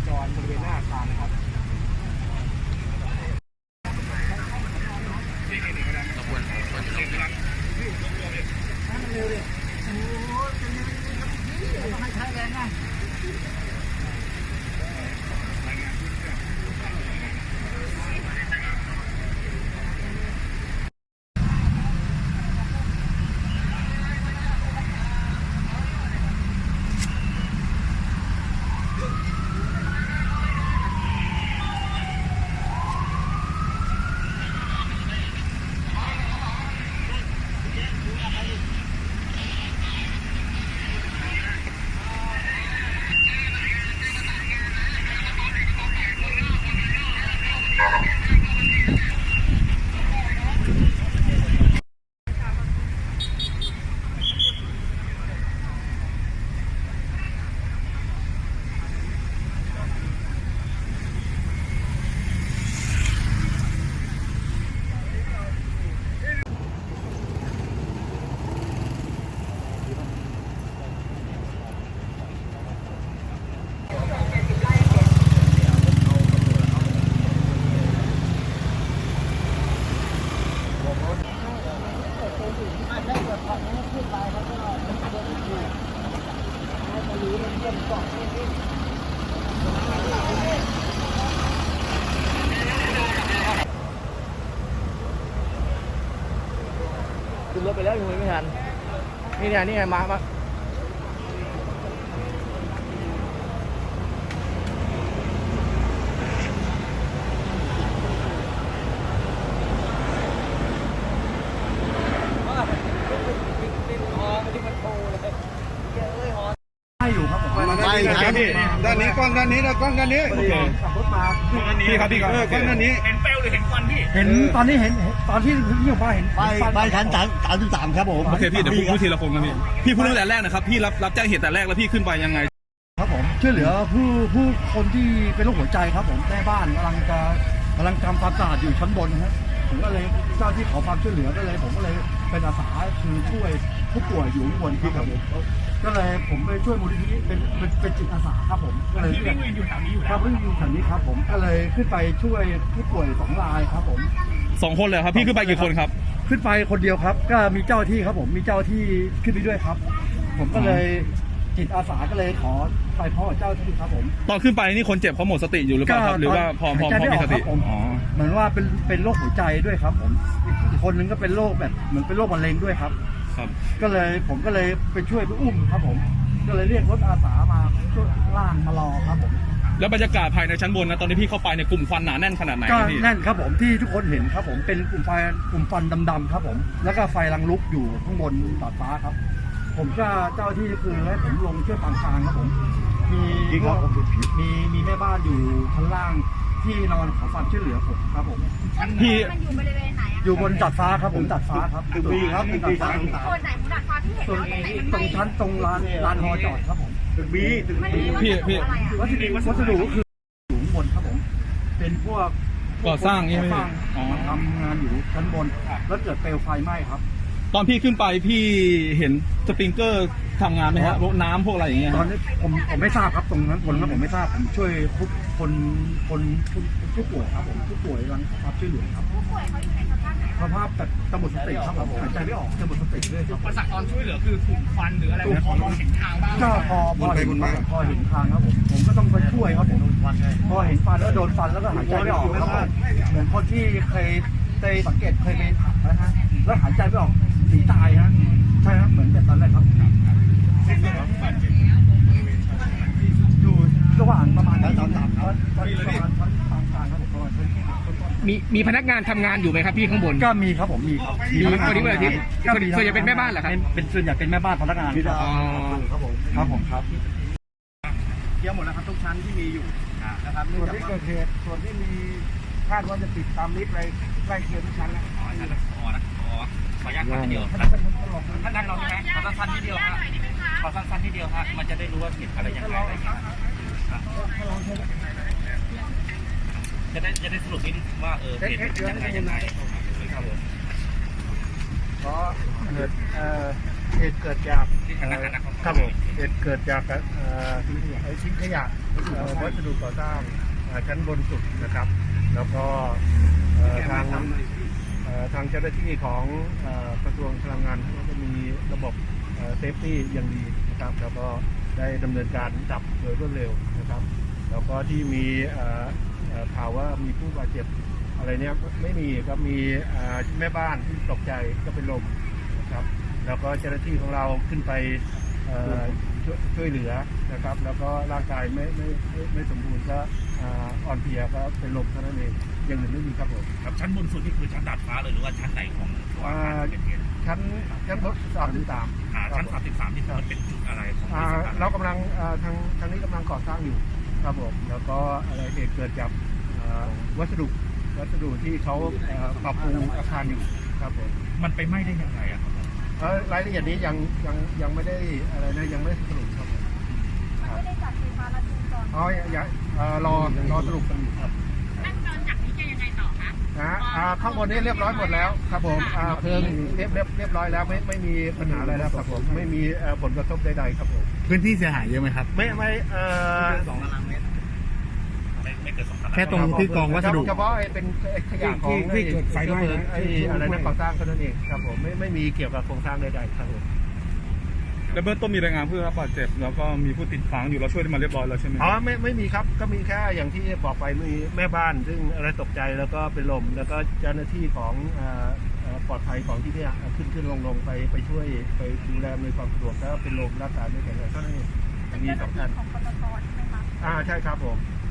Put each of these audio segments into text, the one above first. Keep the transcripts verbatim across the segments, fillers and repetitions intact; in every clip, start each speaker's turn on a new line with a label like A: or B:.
A: จรบริเวณหน้าอาคารนะครับขบวนขบวนเร็วเลยเร็วเลยโอ้ยให้ใช้แรงนะขึ้นรถไปแล้วยังไม่ทันนี่ไงนี่ไงมามาอยู่ครับผมไม่ครับพี่ด้านนี้กล้องด้านนี้นะกล้องด้านนี้โอเคขับรถมาพี่ครับพี่ครับกล้องด้านนี้เห็นเปลวหรือเห็นควันพี่เห็นตอนนี้เห็นตอนที่พี่ออกมาเห็นไปไปชั้นสามสามสิบสามครับผมโอเคพี่เดี๋ยวพูดทีละคนครับพี่พี่พูดตั้งแต่แรกนะครับพี่รับรับแจ้งเหตุแต่แรกแล้วพี่ขึ้นไปยังไงครับผมช่วยเหลือผู้ผู้คนที่เป็นโรคหัวใจครับผมแม่บ้านกำลังจะกำลังทำความสะอาดอยู่ชั้นบนครับผมก็เลยเจ้าที่ขอความช่วยเหลือก็เลยผมก็เลยเป็นอาสาคือช่วยผู้ป่วยอยู่ข้างบนครับผมก็เลยผมไปช่วยมูลนิธิเป็นเป็นเป็นจิตอาสาครับผมก็เลยที่วิ่งอยู่แถวนี้อยู่ครับวิ่งอยู่แถวนี้ครับผมก็เลยขึ้นไปช่วยผู้ป่วยสองรายครับผม
B: สองคนเลยครับพี่ขึ้นไปกี่คนครับ
A: ขึ้นไปคนเดียวครับก็มีเจ้าที่ครับผมมีเจ้าที่ขึ้นไปด้วยครับผมก็เลยจิตอาสาก็เลยขอไปพ่อเจ้าที่ครับผม
B: ตอนขึ้นไปนี่คนเจ็บเขาหมดสติอยู่หรือเปล่าครับหรือว่าพอพอพอมีสติ
A: อ๋อเหมือนว่าเป็นเป็นโรคหัวใจด้วยครับผมอีกคนนึงก็เป็นโรคแบบเหมือนเป็นโรคมะเร็งด้วยครับ
B: ครับ
A: ก็เลยผมก็เลยไปช่วยไปอุ้มครับผมก็เลยเรียกรถอาสามาช่วยล่างมารอครับผม
B: แล้วบรรยากาศภายในชั้นบนนะตอนที่พี่เข้าไปในกลุ่มควันหนาแน่นขนาดไหน
A: ก็แน่นครับผมที่ทุกคนเห็นครับผมเป็นกลุ่มไฟกลุ่มควันดำๆครับผมแล้วก็ไฟรังลุกอยู่ข้างบนดาดฟ้าครับผมก็เจ้าที่คือให้ผมลงช่วยปางกลางครับผมมีมีมีแม่บ้านอยู่ชั้นล่างที่นอนขอความช่วยเหลือผมครับผม
C: พี่มันอยู่บริเวณไหน
A: อยู่บนดาดฟ้าครับผมดาดฟ้าครับตึกบีครับตึกบีชั้น
C: โซนไหนของดาดฟ้าที่เห็น
A: ตรงตรงชั้นตรงลานลานฮอจอดครับผมตึกบีตึกบี
B: พี่พี่
A: วัสดุวัสดุก็คือสูงบนครับผมเป็นพวก
B: ก่อสร้างนี่ไหม
A: มาทำงานอยู่ชั้นบนแล้วเกิดเปลวไฟไหม้ครับ
B: ตอนพี่ขึ้นไปพี่เห็นสปริงเกอร์ทำงานไหมฮะพวกน้ำพวกอะไรอย่างเงี้ย
A: ตอนนี้ผมผมไม่ทราบครับตรงนั้นคนแล้วผมไม่ทราบผมช่วยคนคนคนผู้ป่วยครับผมผู้ป่วยรังรับช่วยเหลือครับ
C: ผู้ป่วยเขาอยู่ในสภาพไหน
A: สภาพแบบจะหมดสติครับผมหายใจไม่ออกจะหมดสติเลยครับ
D: ประสาทตอนช่วยเหลือคือถูกฟันหรืออะไรพอมองเห็นทางบ้าง
A: ก็พอพอเห็นพอเห็นทางครับผมผมก็ต้องไปช่วยครับผมพอเห็นฟันแล้วโดนฟันแล้วก็หายใจไม่ออกครับผมเหมือนคนที่เคยไปสังเกตเคยไปถักนะฮะแล้วหายใจไม่ออกหนีตายฮะใช่ครับเหมือนแบบนั้นเลยครับอยู่ระหว่างประมาณนั้นสามสามครับประมาณชั้นกลางกลางครับผมประมาณชั้น
D: มีมีพนักงานทำงานอยู่ไหมครับพี่ข้างบน
A: ก็มีครับผมมีครับ
D: มีคนนี้วันอาทิตย์ส่วนใหญ่เป็นแม่บ้านเหรอครับ
A: เป็นส่วนใหญ่เป็นแม่บ้านพนักงานครับผมครับผมครับเกี่ยวหมดแล้วครับทุกชั้นที่มีอยู่นะครับส่วนที่เกิดเหตุส่วนที่มีคาดว่าจะติดตามลิฟต์อะไรใกล้เคียงทุกชั้นแล้ว
D: อ๋อชั้นละอ๋อนะอ๋อขออนุญาตท่านเดียวท่านนั่งลงใช่ไหมขอสั้นๆทีเดียวฮะขอสั้นๆทีเดียวฮะมันจะได้รู้ว่าผิดอะไรยังไงอะไรอย่างเงี้ยจะได้จะได้สรุปนิดว่าเออเหตุยังไงยังไงครับผม
A: เพราะเกิดเหตุเกิดจากครับผมเหตุเกิดจากไอ้ชิ้นขยะเอ่อวัสดุก่อสร้างเอ่อชั้นบนสุดนะครับแล้วก็เอ่อทางเอ่อทางเจ้าหน้าที่ของเอ่อกระทรวงพลังงานก็จะมีระบบเซฟตี้อย่างดีนะครับแล้วก็ได้ดำเนินการดับโดยรวดเร็วนะครับแล้วก็ที่มีเอ่อเอ่อข่าวว่ามีผู้บาดเจ็บอะไรเนี้ยไม่มีครับมีเอ่อแม่บ้านที่ตกใจก็เป็นลมนะครับแล้วก็เจ้าหน้าที่ของเราขึ้นไปเอ่อช่วยช่วยเหลือนะครับแล้วก็ร่างกายไม่ไม่ไม่ไม่สมบูรณ์ก็อ่าอ่อนเพลียก็เป็นลมเท่านั้นเองอย่างอื่นไม่มีครับผม
D: ครับชั้นบนสุดนี่คือชั้นดาดฟ้าเลยหรือว่าชั้นไหนของตัวอาคารที่เกิดเหตุ
A: ชั้นชั้นรถสามที่สาม
D: อ่าชั้นสามสิบสามนี่มันเป็นจุดอะไรของบ
A: อ่า
D: ริษัท
A: เรากำลังอ่าทางทางนี้กำลังก่อสร้างอยู่ครับผมแล้วก็อะไรเหตุเกิดจากอ่าวัสดุวัสดุที่เขาอ่าปรับปรุงอาคารอยู่ครับผม
D: มันไปไหม้ได้ยังไงอะครับ
A: เอ่อรายละเอียดนี้ยังยังยังไม่ได้อะไรนะยังไม่ได้สรุปครับผม
C: มันไม่ได้จัดไฟฟ้าลัดวงจร
A: อ๋อยังยังเอ่อรอรอสรุปกันอยู่ครับ
C: ขั้นตอนจากนี้จะยังไงต่อคะ
A: นะอ่าข้างบนนี้เรียบร้อยหมดแล้วครับผมอ่าเพลิงเรียบเรียบเรียบร้อยแล้วไม่ไม่มีปัญหาอะไรแล้วครับผมไม่มีเอ่อผลกระทบใดๆครับผม
E: พื้นที่เสียหายเยอะไหมครับ
A: ไม่ไม่เอ่อ
D: สองตารางเมตรไม่ไม่เกินสองตาราง
E: แค่ตรงที่กองวัสดุ
A: เฉพาะไอ้เป็นไอ้ขยะของ
E: ที่ที่เกิดไฟไหม้
A: ไอ้อะไรนะก่อสร้างเท่านั้นเองครับผมไม่ไม่มีเกี่ยวกับโครงสร้างใดๆครับผม
B: แล้วเบื้องต้นมีรายงานผู้ได้รับบาดเจ็บแล้วก็มีผู้ติดค้างอยู่เราช่วยได้มาเรียบร้อยแล้วใช่ไหม
A: อ๋อไม่ไม่มีครับก็มีแค่อย่างที่บอกไปมีแม่บ้าน ซึ่งอะไรตกใจแล้วก็เป็นลมแล้วก็เจ้าหน้าที่ของเอ่อเอ่อปลอดภัยของที่เนี่ยขึ้นขึ้นลงลงไปไปช่วยไปดูแลในวยความสะดวกแล้วเป็นลมรักษาไม่แข็งแรงเท่านั้นเองมีสองท่าน
C: ของปตทใช่ไหมคะ
A: อ่าใช่ครับผม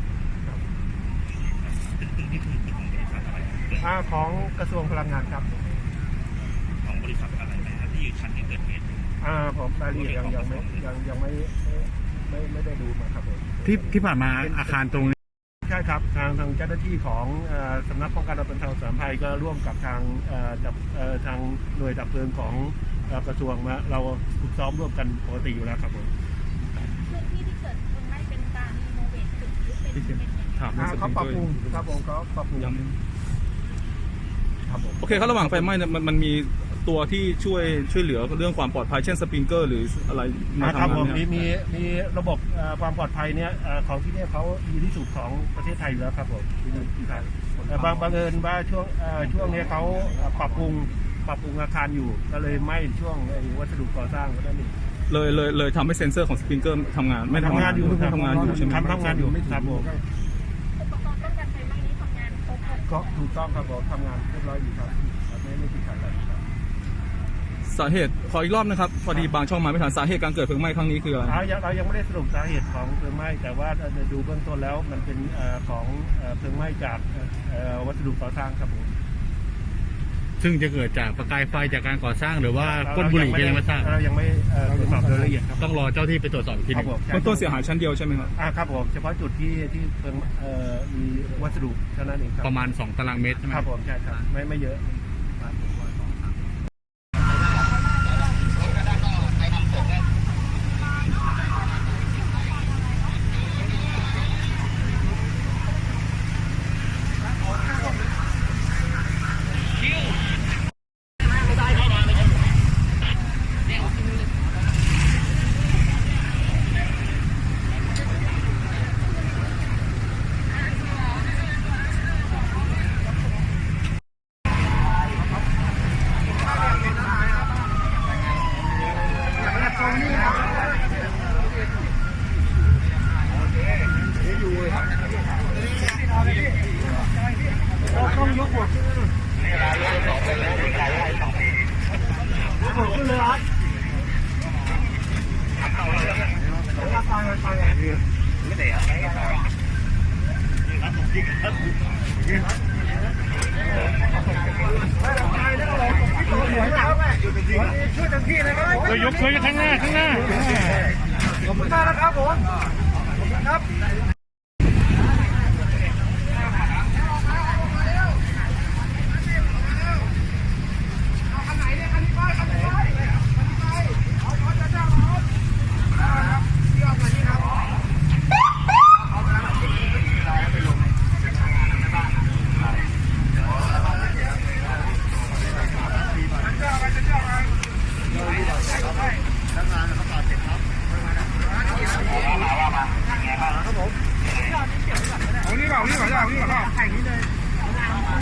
D: ตึกนี่คือตึกของบริษัทอะไร
A: อ่าของกระทรวงพลังงานครับ
D: ของบริษัทอะไรนะครับที่ชั้นที่เกิดเหตุ
A: อ่าผมรายละเอียดยังยังไม่ยังยังไม่ไม่ไม่ได้ดูมาครับผม
E: ที่ที่ผ่านมาอาคารตรงนี้
A: ใช่ครับทางทางเจ้าหน้าที่ของเอ่อสำนักป้องกันและบรรเทาสาธารณภัยก็ร่วมกับทางเอ่อดับเอ่อทางหน่วยดับเพลิงของเอ่อกระทรวงมาเราฝึกซ้อมร่วมกันปกติอยู่แล้วครับผม
C: พื้นที่ที่เกิดเพลิงไหม้เป็นการรีโนเวทตึกหรือเป็นเป็นยังไง
B: ถามเรื่อ
A: อ่าง
B: สป
A: เขา
B: ริง
A: ปรับ
B: เกอ
A: ปรุง
B: ร์
A: ครับผมเขาปรับปรุงครับผม
B: โอเคครับระหว่างไฟไหม้เนี่ยมันมันมีตัวที่ช่วยช่วยเหลือเรื่องความปลอดภัยเช่นสปริงเกอร์หรืออะไรมา
A: อ่าครับ
B: ทำ
A: ผม
B: งาน
A: มี
B: เนี่ย
A: มีมีระบบเอ่อความปลอดภัยเนี่ยเอ่อของที่เนี่ยเขาดีที่สุดของประเทศไทยอยู่แล้วครับผมที่ไทยแต่บางบังเอิญว่าช่วงเอ่อช่วงนี้เขาปรับปรุงปรับปรุงอาคารอยู่ก็เลยไหม้ช่วงไอ้วัสดุก่อสร้างก็ได้นี่
B: เลยเลยเลยทำให้เซ็นเซอร์ของสปริงเกอร์ทำงานไม่ทำ
A: ทำงานอยู่
B: ทำงานอยู่ใช่ไหม
A: ทำทำงานอยู่ครับผม
C: อุปกรณ์ป้องกันไฟไหม้นี้ทำงานครบหมด
A: ก็ถูกต้องครับผมทำงานเรียบร้อยอยู่ครับไม่ไม่ติดขัดอะไรครับ
B: สาเหตุขออีกรอบนะครับพอดีบางช่องมาไม่ทันสาเหตุการเกิดเพลิงไหม้ครั้งนี้คืออะไร
A: เรายังเรายังไม่ได้สรุปสาเหตุของเพลิงไหม้แต่ว่าดูเบื้องต้นแล้วมันเป็นเอ่อของเอ่อเพลิงไหม้จากเอ่อวัสดุก่อสร้างครับผม
E: ซึ่งจะเกิดจากประกายไฟจากการก่อสร้างหรือว่าก้นบุหรี่ก็ยังไม่ทราบ
A: เรายังไม่เอ่อตรวจสอบโดยละเอียดครับ
E: ต้องรอเจ้าที่ไปตรวจสอบอีกทีห
A: ครั
E: นึ
A: บ
E: ง
A: ผม
B: เบื้องต้นเสียหายชั้นเดียวใช่ไหมครับ
A: อ่าครับผมเฉพาะจุดที่ที่เพลิงเอ่อมีวัสดุเท่านั้นเองครับ
E: ประมาณสองตารางเมตรใช่ไหม
A: ครับผมใช่ครับไม่ไม่เยอะ ต้องยกหัวขึ้นเลยยกหัวขึ้นเลยครับตายตายไม่ได้อะไรช่วยเต็มที่เลยครับ
E: ยกช่วยข้างหน้าข้างหน้า
A: ขอบคุณมากนะครับผมขอบคุณครับครับผมเอานี่เปล่าเอานี่เปล่าเอานี่เปล่าแข่งนี้เลย